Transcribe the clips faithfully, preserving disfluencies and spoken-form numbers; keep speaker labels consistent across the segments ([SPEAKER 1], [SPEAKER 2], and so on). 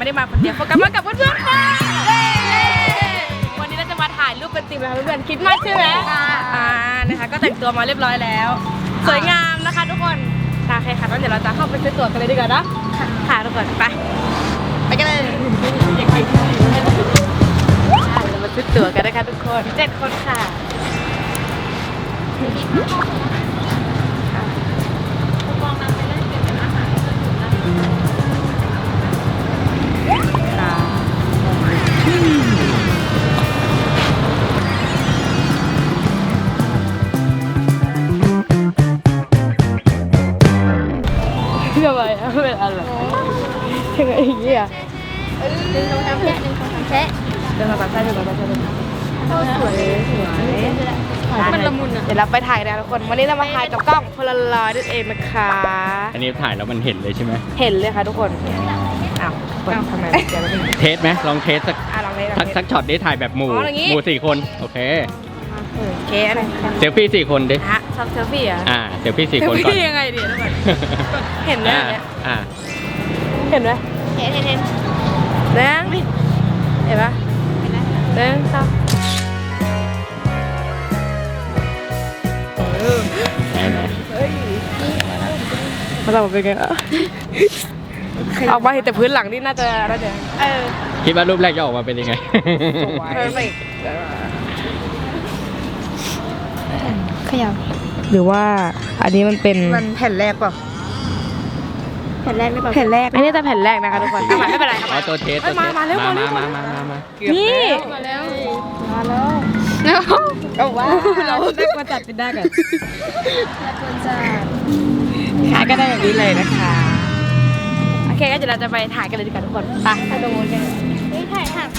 [SPEAKER 1] ไม่ได้มาคนเดียวโฟกัสมากับเพื่อนๆค่ะวันนี้เราจะมาถ่ายรูปเป็นทีมนะคะเพื่อนๆคิดมากใช่ไหมอ่านะคะก็แต่งตัวมาเรียบร้อยแล้วสวยงามนะคะทุกคนโอเคค่ะงั้นเดี๋ยวเราจะเข้าไปซื้อตั๋วกันเลยดีกว่านะค่ะทุกคนไปไปกันเลยเรามาซื้อตั๋วกันนะคะทุกคนเจ็ดคนค่ะทำไมอะเป็นอะไรยังไงอย่างเงี้ยหนึ่งสองสามแชะหนึ่งสองสามแชะเดินมาตัดใช่เดินมาตัดใช่เดินมาสวยสวยมันละมุนอ่ะเดี๋ยวเราไปถ่ายนะทุกคนวันนี้เรามาถ่ายกับกล้องโพลารอยด์นั่นเองนะคะ
[SPEAKER 2] อันนี้ถ่ายแล้วมันเห็นเลยใช่ไหม
[SPEAKER 1] เห็นเลยค่ะทุกคนอ้าวทำไมเดี๋ยวเรา
[SPEAKER 2] เทสไหมลองเทสสักสักสักช็อตได้ถ่ายแบบหมู่หมู่สี่คนโอเค
[SPEAKER 1] โอเคอะไร
[SPEAKER 2] เซลฟี่สี่คนดิ
[SPEAKER 1] ฮะชอบเซลฟี่อ่ะ
[SPEAKER 2] อ่าเซลฟี่สี่คนก่อนเซลฟี่
[SPEAKER 1] ยังไงเดี๋ยวทุกคนเห็นไหม
[SPEAKER 2] อ่า
[SPEAKER 1] เห็นไหมเห็นเห็นเห็นเด้งเห็นปะเด้งชอบมาทำเป็นไงอ่ะออกมาเห็นแต่พื้นหลังนี่น่าจะน่าจะ
[SPEAKER 2] คิดว่ารูปแรกจะออกมาเป็นยังไง
[SPEAKER 1] ขยับหรือว่าอันนี้มันเป็นมันแผ่นแรกป่ะแผ่นแรกไม่ป่ะแผ่นแรกอันนี้แต่แผ่นแรกนะคะทุกคนไม่เป็นไร
[SPEAKER 2] ครับตัวเทส
[SPEAKER 1] มามาเร็วมา
[SPEAKER 2] มา
[SPEAKER 1] มา
[SPEAKER 2] มามามา
[SPEAKER 1] นี่มาแล้วมาแล้วก็ว่าเราได้มาจัดเป็นได้กันได้มาจัดขายก็ได้แบบนี้เลยนะคะโอเคก็เดี๋ยวเราจะไปถ่ายกันเลยดีกว่าทุกคนไปไปดูกันเฮ้ยถ่ายถ่าย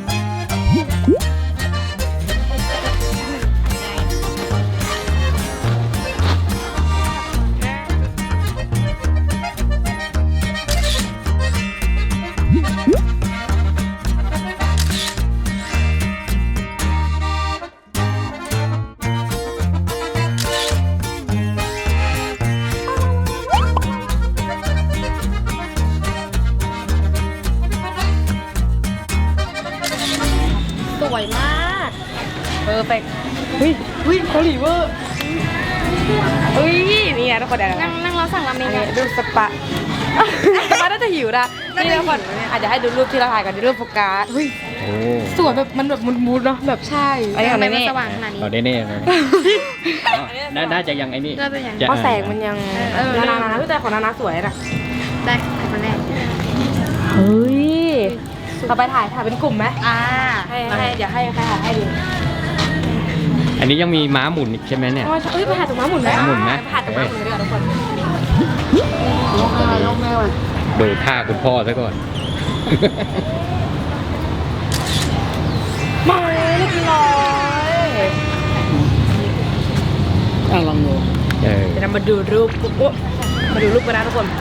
[SPEAKER 1] สวยมากเพอร์เฟกต์เฮ้ยเฮ้ยเกาหลีเวอร์เฮ้ยนี่นะทุกคนเดี๋ยวนั่งนั่งเราสั่งราเมงกันดูสปะมาน่าจะหิวนะนี่ทุกคนอาจจะให้ดูรูปที่เราถ่ายกันรูปโฟกัสเฮ้ยสวยแบบมันแบบมุนๆเนาะแบบใช่ไอ้อะไรนี่สว่างขนาดนี้
[SPEAKER 2] เราได้แน่เลยน่าจะยังไอ้นี่
[SPEAKER 1] เพราะแสงมันยังนานานาแต่ของนานาสวยนะได้คนแรกเฮ้ยเราไปถ่ายถ่ายเป็นกลุ่มไหมอ่าให้ให้เดี๋ยวให้ใครถ่ายให้ดู
[SPEAKER 2] อันนี้ยังมีม้าหมุนอีกใช่ไหมเนี่ย
[SPEAKER 1] เอ้ยไปถ่ายตรงม้าหมุนไหม
[SPEAKER 2] ม้าหมุนไหม
[SPEAKER 1] ถ่ายตรงม้าหมุนเลยทุกคนลงแม่ว่ะ
[SPEAKER 2] ดูท่าคุณพ่อซะก่อน
[SPEAKER 1] มาเรียบร้อย
[SPEAKER 2] อ่ะลองดูเ
[SPEAKER 1] ดี๋ยวเรามาดูรูปปุ๊บมาดูรูปกันนะทุกคน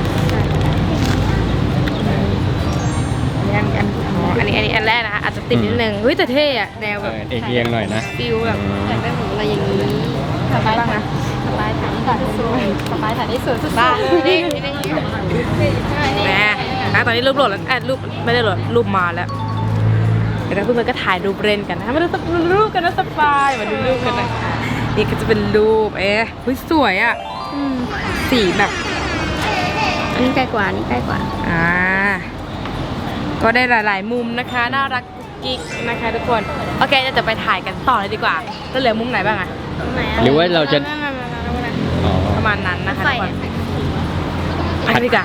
[SPEAKER 1] อันอันอันนี้อันนี้อันแรกนะคะอาจจะติดนิดนึงเฮ้ยแต่เท่อะแนวแบบ
[SPEAKER 2] เอียงหน่อยนะ
[SPEAKER 1] ฟิลแบบอยากได้หมูอะไรอย่างนี้สบายบ้างนะสบายถ่ายนี่ก่อนสวยสบายถ่ายนี่สวยสุดบ้านี่นี่นี่แม่นะตอนนี้รูปโหลดแล้วแอดรูปไม่ได้โหลดรูปมาแล้วเดี๋ยวเพื่อนๆก็ถ่ายรูปเล่นกันนะมาดูรูปกันนะสบายมาดูรูปกันนะนี่ก็จะเป็นรูปเอ๊ะเฮ้ยสวยอ่ะสีแบบ
[SPEAKER 3] อันนี้ใกล้กว่านี่ใกล้กว่า
[SPEAKER 1] อ่าก็ได้หลายๆมุมนะคะน่ารักกุ๊กกิ๊กนะคะทุกคนโอเคจะไปถ่ายกันต่อเลยดีกว่าแล้วเหลือมุมไหนบ้างอะ
[SPEAKER 2] หรือว่าเราจะ
[SPEAKER 1] ประมาณนั้นนะคะทุกคนไปกันดีกว่า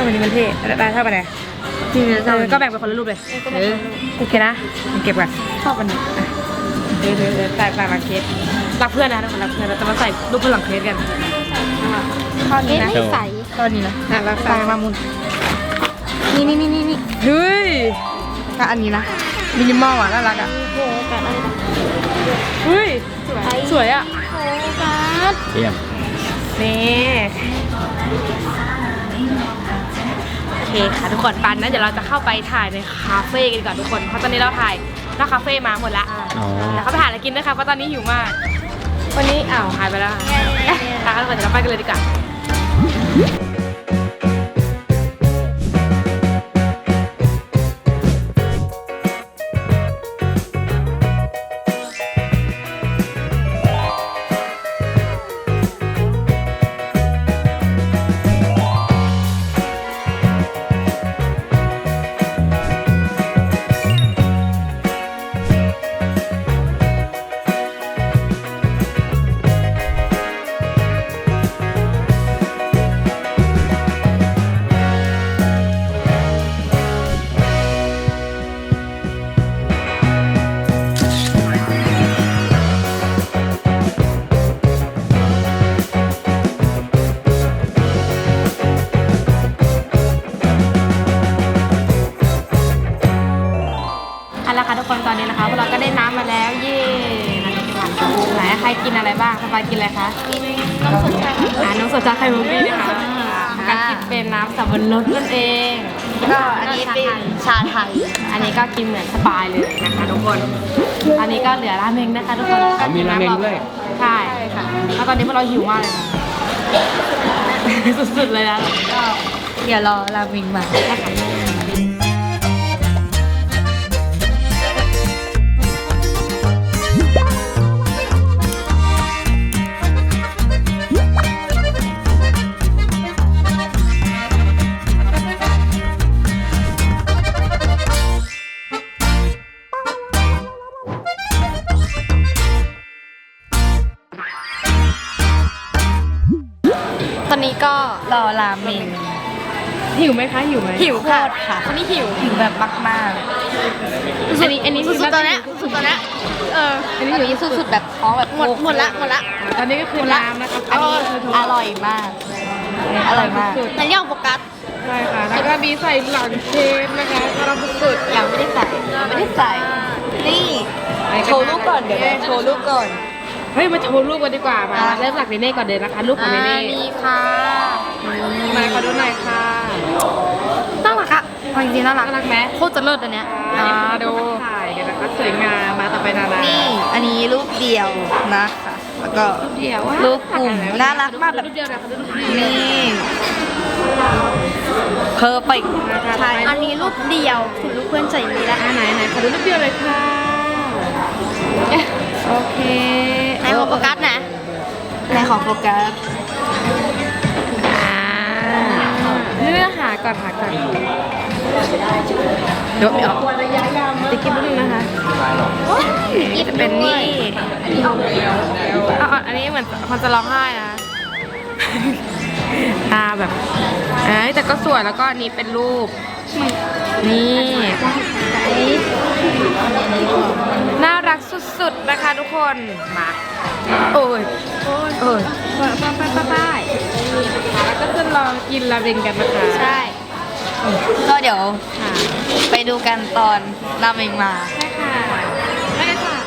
[SPEAKER 1] อบอันนี้มันเท่ได้ชอบอันไหน
[SPEAKER 3] ที่เนื้อ
[SPEAKER 1] เออก็แบ่งเป็นคนละรูปเลยเออโอเคนะเก็บก่อนชอบอันนี้เดี๋ยวเดี๋ยวเดี๋ยวแต่แต่ละเคสรักเพื่อนนะทุกคนรักเพื่อนเราจะมาใส่รูปบนหลังเคสกันข้อนี้นะ
[SPEAKER 3] ไม่ใส
[SPEAKER 1] ข้อนี้นะอ่ะรักตามามุน
[SPEAKER 3] นี่นี่นี่นี่นี่
[SPEAKER 1] เฮ้ยก็อันนี้นะมินิมอลอ่ะน่ารักอ่ะ
[SPEAKER 3] โฟกัสอะไรนะ
[SPEAKER 1] เฮ้ย
[SPEAKER 3] สวย
[SPEAKER 1] สวยอ่ะ
[SPEAKER 3] โฟกัส
[SPEAKER 2] เยี่ยม
[SPEAKER 1] นี่โอเคค่ะทุกคนปันนะเดี๋ยวเราจะเข้าไปถ่ายในคาเฟ่กันก่อนทุกคนเพราะตอนนี้เราถ่ายหน้าคาเฟ่มาหมดละ
[SPEAKER 2] อ๋อ
[SPEAKER 1] เดี๋ยวเขาไปหาอะไรกินด้วยค่ะเพราะตอนนี้หิวมาก วันนี้อ้าวหายไปแล้วค่ะอ่ะทุกคนเดี๋ยวเราไปกันเลยดีกว่าเอาละค่ะทุกคนตอนนี้นะคะพวกเราก็ได้น้ำมาแล้วเย่น้ำกินหวานไหนใครกินอะไรบ้างสปายกินอะไรคะ
[SPEAKER 3] กินน้ำสดใส
[SPEAKER 1] อ่าน้ำสดจากไข่มุกดีนะคะการกินเป็นน้ำสับปะรดนั่นเอง
[SPEAKER 3] ก็อันนี้เป็นชาไทย
[SPEAKER 1] อันนี้ก็กินเหมือนสปายเลยนะคะทุกคน อันนี้ก็เหลือราเมงนะคะทุกคน
[SPEAKER 2] อ๋อมีราเมงด้วย
[SPEAKER 1] ใช่ค่ะแล้วตอนนี้พวกเราหิวมากเลยค่ะ สุดๆเลยนะ
[SPEAKER 3] ก็เดี๋ยวรอราเมงมา ตอนนี้ก็รอราเมง
[SPEAKER 1] หิวไหมคะหิวไหม
[SPEAKER 3] หิวค่ะค่ะ
[SPEAKER 1] ตอนนี้หิว
[SPEAKER 3] หิวแบบมาก
[SPEAKER 1] อันนี้อันนี้
[SPEAKER 3] ๆสุดๆตอนเนี้ยสุดๆตอนเนี้ยเอออันนี้หิวสุดๆแบบท้องแบบหมดหมดละหมดละ
[SPEAKER 1] ตอนนี้ก็คือน้ำนะคะ
[SPEAKER 3] อันนี้อร่อยมาก อร่อยมากแต่ย่างโฟกัส
[SPEAKER 1] ใช่ค่ะแล้วก็มีใส่หลังเค้กนะคะกำลังสุด
[SPEAKER 3] ยังไม่ได้ใส่ยังไม่ได้ใส่ นี่โชว์รูปก่อนเดี๋ยวนะโชว์รูปก่อน
[SPEAKER 1] เฮ้ยมาโชว์รูปกันดีกว่ามา
[SPEAKER 3] อ่ะ
[SPEAKER 1] เริ่มจากเนเน่ก่อนเลยนะคะรูปของเนเน่
[SPEAKER 3] นี่ค่ะ
[SPEAKER 1] มาขอดูหน่อยค่ะ
[SPEAKER 3] น่ารักอะเอาจริงๆน่ารัก
[SPEAKER 1] น่ารักไหม
[SPEAKER 3] โคตรจะเลิศอันเนี้ย
[SPEAKER 1] อ่าดูถ่ายกันนะคะสวยงามมาต่อไปนานา
[SPEAKER 3] นี่อันนี้รูปเดียวนะคะแล้วก็
[SPEAKER 1] เดี๋ยวว่า
[SPEAKER 3] รูปกลุ่มน่ารักมากแบบ
[SPEAKER 1] รูปเดียวนะรูปเดียว
[SPEAKER 3] นี่เพอร์เฟกใช่อันนี้รูปเดียวคุณลูกเพื่อนใจดีแล้ว
[SPEAKER 1] อ่าไหนไหนขอดูรูปเดียวเลยค่ะโอเค
[SPEAKER 3] ในของโฟกัสนะในของโฟกัส
[SPEAKER 1] อ่าเนื้อหาก่อนหาก่อนเดี๋ยวไม่ออกติ๊กกิ๊บนิดนึงนะคะ
[SPEAKER 3] นี่จะเป็นนี่
[SPEAKER 1] เอาเอาอันนี้เหมือนคนจะร้องไห้นะ ตาแบบเอ้ยแต่ก็สวยแล้วก็อันนี้เป็นรูป นี่ น่ารักสุดๆนะคะทุกคน มา โอ้ย โอ้ยโอ้ยไปไปไปไปไปแล้วก็จะลองกินราเมงกันนะคะ
[SPEAKER 3] ใช่ ก็เดี๋ยว
[SPEAKER 1] ค่ะ
[SPEAKER 3] ไปดูกันตอนราเมงมา
[SPEAKER 1] ใช่ค่ะได้เลยค่ะ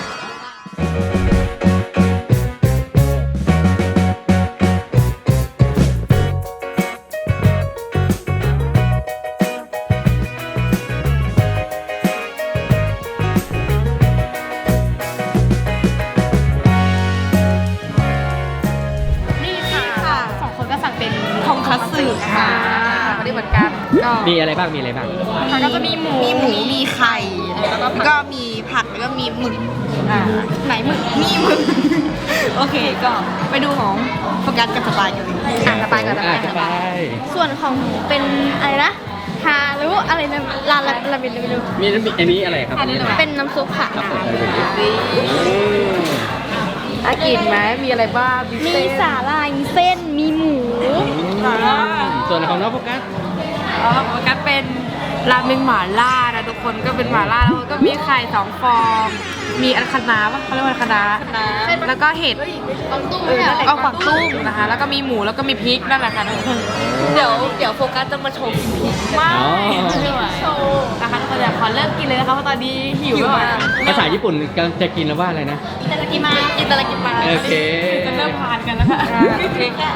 [SPEAKER 1] นี่ค่ะสองคนก็สั่งเป็นทงคัตสึนะคะไม่ได้เหมือนกันก็
[SPEAKER 2] มีอะไรบ้าง มีอะไรบ้าง
[SPEAKER 1] มันก็จะมีหมู
[SPEAKER 3] มีหมู มีไข่ แล้วก็มีผัก แล้วก็มีหมึกอ่า
[SPEAKER 1] ไหนหมึก
[SPEAKER 3] มีหมึก โอเค ก็ไปดูของโฟกัสกับสปายกันเลย
[SPEAKER 1] อ่ะสบายก่อนส
[SPEAKER 2] อ่ะ
[SPEAKER 1] บาย
[SPEAKER 2] สบาย
[SPEAKER 3] ส่วนของหมูเป็นอะไรนะฮาหรือว่าอะไรนะลาลาลาเบนลาเบน
[SPEAKER 2] มีน้ำอันนี้อะไรครับ
[SPEAKER 3] เป็นน้ำซุปค่ะ
[SPEAKER 2] ครับผมอืม
[SPEAKER 1] น่ากินไหมมีอะไรบ้างมี
[SPEAKER 3] มี
[SPEAKER 1] เส้น
[SPEAKER 3] สาหร่าย มีเส้น มีหมู
[SPEAKER 2] ส่วนของน้องโฟกัส
[SPEAKER 3] อ
[SPEAKER 1] อ๋อโฟกัสเป็นราเมงหม่าล่านะทุกคนก็เป็นหม่าล่าแล้วก็มีไข่สองฟองมีอันคะน้าป่ะเขาเรียกว่าอันคะน้าแล้วก็เห็ดเออเอาฝักตุ้มนะคะแล้วก็มีหมูแล้วก็มีพริกนั่นแหละค่ะทุกคน
[SPEAKER 3] เดี๋ยวเดี๋ยวโฟกัสจะมาโชว์กินพริก
[SPEAKER 1] มาก
[SPEAKER 2] อ๋อ
[SPEAKER 1] โชว์นะคะทุกคนเดี๋ยวขอเริ่มกินเลยนะคะเพราะตอนนี้หิวมาก
[SPEAKER 2] ภาษาญี่ปุ่นจะกินแล้วว่าอะไรนะ
[SPEAKER 3] อิตาลีกิมาอิตาลีกิมา
[SPEAKER 2] โอเค
[SPEAKER 1] จะเริ่มทานกันแล้วค่ะโอเคค่ะ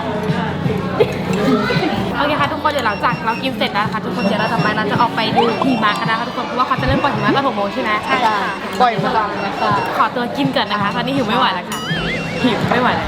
[SPEAKER 1] โอเคค่ะทุกคนเดี๋ยวหลังจากเรากินเสร็จแล้วนะคะทุกคนเดี๋ยวเราต่อไปเราจะออกไปดูหิมะกันนะคะทุกคนเพราะว่าเขาจะเริ่มปล่อยหิมะตอนหกโมงใช่ไหมใช่ค่ะ
[SPEAKER 3] ปล่อยพลังนะคะ
[SPEAKER 1] ขอตัวกินก่อนนะคะตอนนี้หิวไม่ไหวแล้วค่ะหิวไม่ไหวแล้ว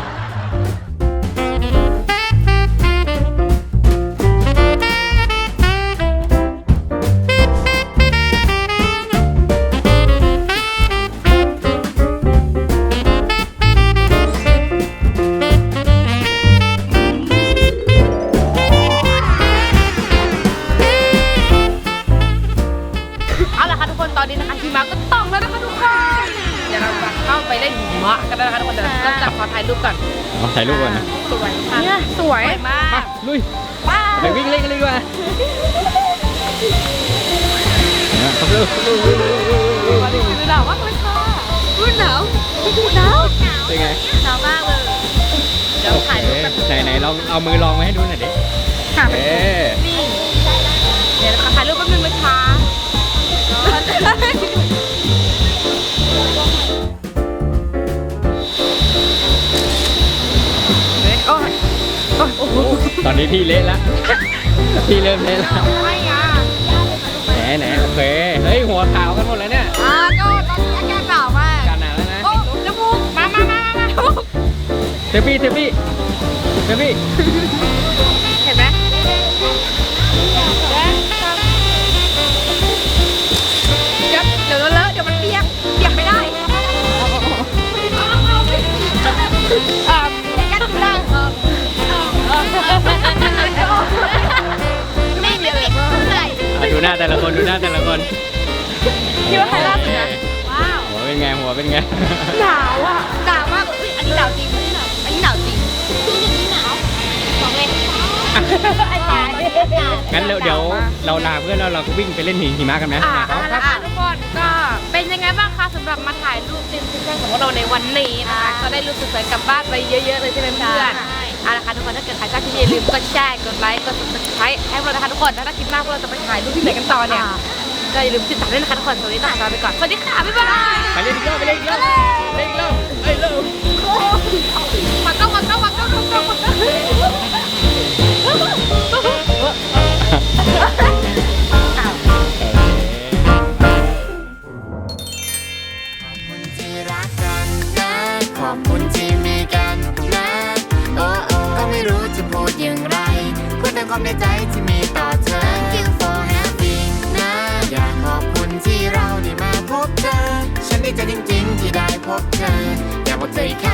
[SPEAKER 1] เอาละค่ะทุกคนตอนนี้นะคะหิมะก็ตกแล้วนะคะทุกคนเดี๋ยวเราจะเข้าไปเล่นหิมะกันแล้วนะคะทุกคนเดี๋ยวเราจะขอถ่ายรูปก่อน
[SPEAKER 2] เอาถ่ายรูปก่อนนะ
[SPEAKER 1] สวยค่ะเนี่ยสวยมาก
[SPEAKER 2] ลุยไปวิ่งเล่นกันเลยดีกว่าเนี่ยครับลูก
[SPEAKER 1] วันนี้คือหนาวมากเลยค่ะอุ้ยหนาวหนาว
[SPEAKER 2] เป็นไง
[SPEAKER 1] หนาวมากเลยเดี๋ยวถ่ายรูปกัน
[SPEAKER 2] ไหนไหนลองเอามือลองมาให้ดูหน่อยดิ
[SPEAKER 1] ค่ะ
[SPEAKER 2] เอ๊ะ
[SPEAKER 1] นี่เดี๋ยวถ่ายรูปแป๊บนึงนะคะโอ้ยโอ้ยโอ้โห
[SPEAKER 2] ตอนนี้พี่เละแล้วพี่เริ่มเละแล้ว
[SPEAKER 1] ไม่อ่ะ
[SPEAKER 2] ไหนไหนโอเคเฮ้ยหัวขาวกันหมดแล้วเนี่ย
[SPEAKER 1] อ่าก็ตอนนี้อากาศหนาวมาก
[SPEAKER 2] กันหนาวแล้วนะ
[SPEAKER 1] โอ้จมูกมามามามามา
[SPEAKER 2] เซฟี่เซฟี่เซฟี่
[SPEAKER 1] เห็นไหมเดี๋ยวเดี๋ยวเลอะเดี๋ยวมันเปียกเปียกไม่ได้อ่ายัดล่างไม่เปียกเลย
[SPEAKER 2] อ่ะดูหน้าแต่ละคนดูหน้าแต่ละคน
[SPEAKER 1] คิดว่าใครล่าสุดนะว้าว
[SPEAKER 2] หัวเป็นไงหัวเป็นไง
[SPEAKER 1] หนาวอ่ะหนาวมากเลยอันนี้หนาวจริงอันนี้หนาวจริงพี่หนึ่งนี่หนาวบอกเลยไอ้ตาย
[SPEAKER 2] งั้นเดี๋ยวเดี๋ยวเราลาเพื่อนแล้วเราก็วิ่งไปเล่นหิมะกันไหม
[SPEAKER 1] อ่าเอาละค่ะทุกคนก็เป็นยังไงบ้างคะสำหรับมาถ่ายรูปซิมซิมของพวกเราในวันนี้นะคะก็ได้รูปสวยๆกลับบ้านไปเยอะๆเลยใช่ไหมเพื่อนเอาละค่ะทุกคนถ้าเกิดใครชอบคลิปนี้อย่าลืมกดแชร์กดไลค์กด ซับสไครบ์ ให้พวกเรานะคะทุกคนถ้าคลิปหน้าพวกเราจะไปถ่ายรูปที่ไหนกันต่อเนี่ยก็อย่าลืมติดตามด้วยนะคะทุกคนสวัสดีค่ะลาไปก่อนสวัสดีค่ะบ๊ายบาย
[SPEAKER 2] ไปเล่นอีกรอบไปเล่นอีกรอบเล่นอีกรอบเอ้ยเริ่ม
[SPEAKER 1] มาเข้ามาเข้ามาเข้ามาเข้ามา
[SPEAKER 4] ที่รักกันนะขอบคุณที่มีกันนะโอ้โอ้ก็ไม่รู้จะพูดอย่างไรพูดแต่ความในใจที่มีต่อเธอ Thank you for having นะอยากขอบคุณที่เราได้มาพบเธอ ฉันดีใจจริงๆที่ได้พบเธอ อยากบอกเธออีกครั้ง